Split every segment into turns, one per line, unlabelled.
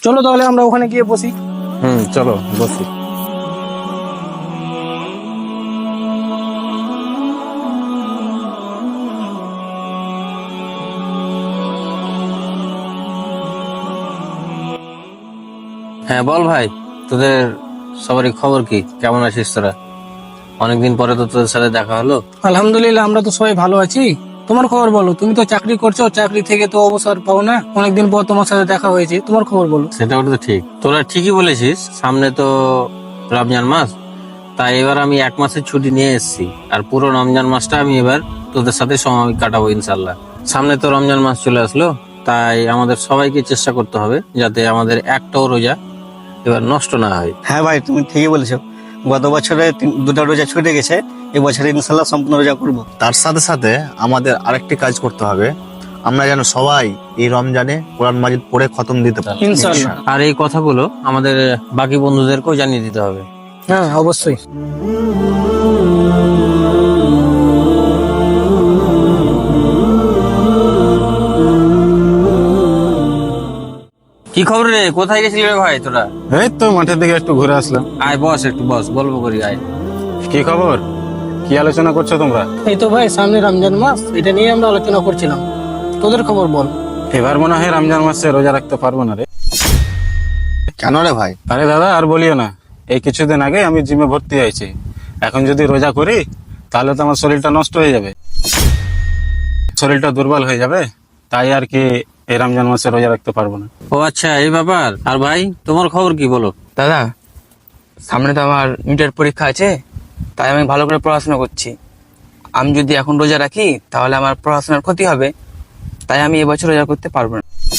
চলো তাহলে আমরা ওখানে গিয়ে বসি।
চলো বসি। হ্যাঁ বল ভাই, তোদের সবারই খবর কি? কেমন আছিস তোরা? অনেকদিন পরে তো তোদের সাথে দেখা হলো।
আলহামদুলিল্লাহ, আমরা তো সবাই ভালো আছি। তোমার খবর বলো, তুমি তো চাকরি করছো, চাকরি থেকে তো অবসর পাও না, অনেকদিন পর তোমার সাথে দেখা হয়েছে, তোমার খবর বলো।
সেটা তো ঠিক, তোরা ঠিকই বলেছিস। সামনে তো রমজান মাস, তাই এবার আমি 1 মাসের ছুটি নিয়ে এসেছি। আর পুরো রমজান মাসটা আমি এবার তোদের সাথে সময় কাটাবো ইনশাল্লাহ। সামনে তো রমজান মাস চলে আসলো, তাই আমাদের সবাইকে চেষ্টা করতে হবে যাতে আমাদের একটাও রোজা এবার নষ্ট না হয়।
হ্যাঁ ভাই, তুমি ঠিকই বলেছো। গত বছরে দুটা রোজা ছুটে গেছে, এবছরে ইনশাল্লাহ সম্পূর্ণ রোজা করবো।
তার সাথে সাথে আমাদের আরেকটি কাজ করতে হবে, আমরা যেন সবাই এই রমজানে কোরআন মাজিদ পড়ে খতম দিতে পারি।
ইনশাআল্লাহ।
আর এই কথাগুলো আমাদের বাকি বন্ধুদেরকেও জানিয়ে দিতে হবে।
হ্যাঁ, অবশ্যই।
কি খবর রে? কোথায় গেছিলি রে ভাই তোরা?
এই তো মাঠের দিকে একটু ঘুরে আসলাম।
আয় বস, একটু বস, গল্প করি আয়।
কি খবর? কি আলোচনা করছো তোমরা?
এই তো ভাই, সামনে রমজান মাস, এটা নিয়ে আমরা আলোচনা করছিলাম। তোদের খবর বল।
এবার মনে হয় রমজান মাসে রোজা রাখতে পারবো না রে।
কেন রে ভাই?
আরে দাদা আর বলিও না, এই কিছুদিন আগে আমি জিমে ভর্তি হয়েছি। এখন যদি রোজা করি তাহলে তো আমার শরীরটা নষ্ট হয়ে যাবে, শরীরটা দুর্বল হয়ে যাবে। তাই আর কি এই রমজান মাসে রোজা রাখতে পারবো না।
ও আচ্ছা, এই ব্যাপার। আর ভাই তোমার খবর কি বলো?
দাদা, সামনে তো আমার মিটার পরীক্ষা আছে, তাই আমি ভালো করে পড়াশোনা করছি। আমি যদি এখন রোজা রাখি তাহলে আমার পড়াশোনার ক্ষতি হবে, তাই আমি এবছর রোজা করতে পারবো না।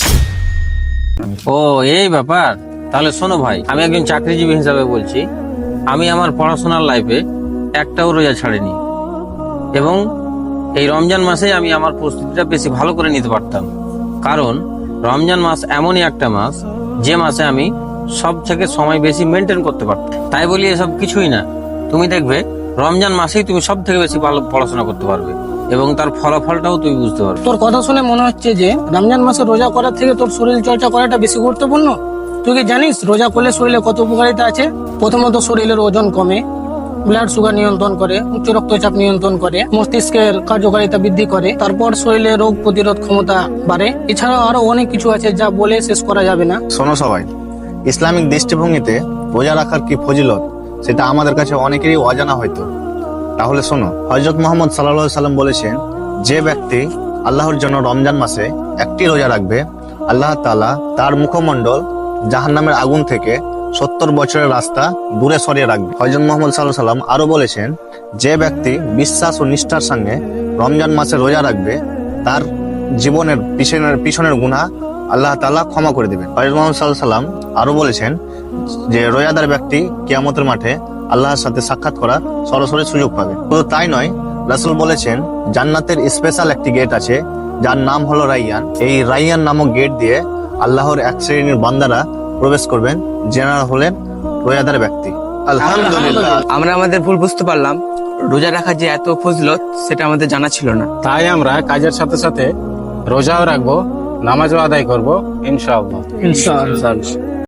ও এই ব্যাপার। তাহলে শোনো ভাই, আমি একজন চাকরিজীবী হিসাবে বলছি, আমি আমার পড়াশোনার লাইফে একটাও রোজা ছাড়িনি, এবং এই রমজান মাসে আমি আমার প্রস্তুতিটা বেশি ভালো করে নিতে পারতাম। কারণ রমজান মাস এমনই একটা মাস যে মাসে আমি সব থেকে সময় বেশি মেনটেন করতে পারতাম। তাই বলি এসব কিছুই না, তুমি দেখবে রমজান মাসেই তুমি সব থেকে বেশি ভালো পড়াশোনা করতে পারবে এবং তার ফলাফলটাও তুমি বুঝতে পারবে।
তোর কথা শুনে মনে হচ্ছে যে রমজান মাসে রোজা করার থেকে তোর শরীর চর্চা করাটা বেশি গুরুত্বপূর্ণ। তুই কি জানিস রোজা করলে শরীরে কত উপকারিতা আছে? প্রথমত শরীরের ওজন কমে, ব্লাড সুগার নিয়ন্ত্রণ করে, উচ্চ রক্তচাপ নিয়ন্ত্রণ করে, মস্তিষ্কের কার্যকারিতা বৃদ্ধি করে, তারপর শরীরে রোগ প্রতিরোধ ক্ষমতা বাড়ে। এছাড়াও আরো অনেক কিছু আছে যা বলে শেষ করা যাবে না।
শোনো সবাই, ইসলামিক দৃষ্টিভঙ্গিতে রোজা রাখার কি ফজিলত সেটা আমাদের কাছে অনেকেরই অজানা হয়তো। তাহলে শোনো, হযরত মুহাম্মদ সাল্লাল্লাহু আলাইহি সাল্লাম বলেছেন, যে ব্যক্তি আল্লাহর জন্য রমজান মাসে একটি রোজা রাখবে, আল্লাহ তাআলা তার মুখমণ্ডল জাহান্নামের আগুন থেকে 70 বছরের রাস্তা দূরে সরিয়ে রাখবে। হযরত মুহাম্মদ সাল্লাল্লাহু আলাইহি সাল্লাম আরো বলেছেন, যে ব্যক্তি বিশ্বাস ও নিষ্ঠার সঙ্গে রমজান মাসে রোজা রাখবে, তার জীবনের পিছনের গুনাহ আল্লাহ তাআলা ক্ষমা করে দিবেন। হযরত মুহাম্মদ সাল্লাল্লাহু আলাইহি সাল্লাম আরো বলেছেন যে রোজাদার ব্যক্তি কিয়ামতের মাঠে আল্লাহর সাথে সাক্ষাৎ করার সরাসরি সুযোগ পাবে। শুধু তাই নয়, রাসূল বলেছেন জান্নাতের স্পেশাল একটি গেট আছে যার নাম হলো রাইয়ান। এই রাইয়ান নামক গেট দিয়ে আল্লাহর এক শ্রেণীর বান্দারা প্রবেশ করবেন, যারা হলেন রোজাদার ব্যক্তি। আলহামদুলিল্লাহ।
আমরা আমাদের ভুল বুঝতে পারলাম, রোজা রাখার যে এত ফজিলত সেটা আমাদের জানা ছিল না।
তাই আমরা কাজের সাথে সাথে রোজাও রাখবো, নামাজও আদায় করবো ইনশাআল্লাহ।
ইনশাআল্লাহ।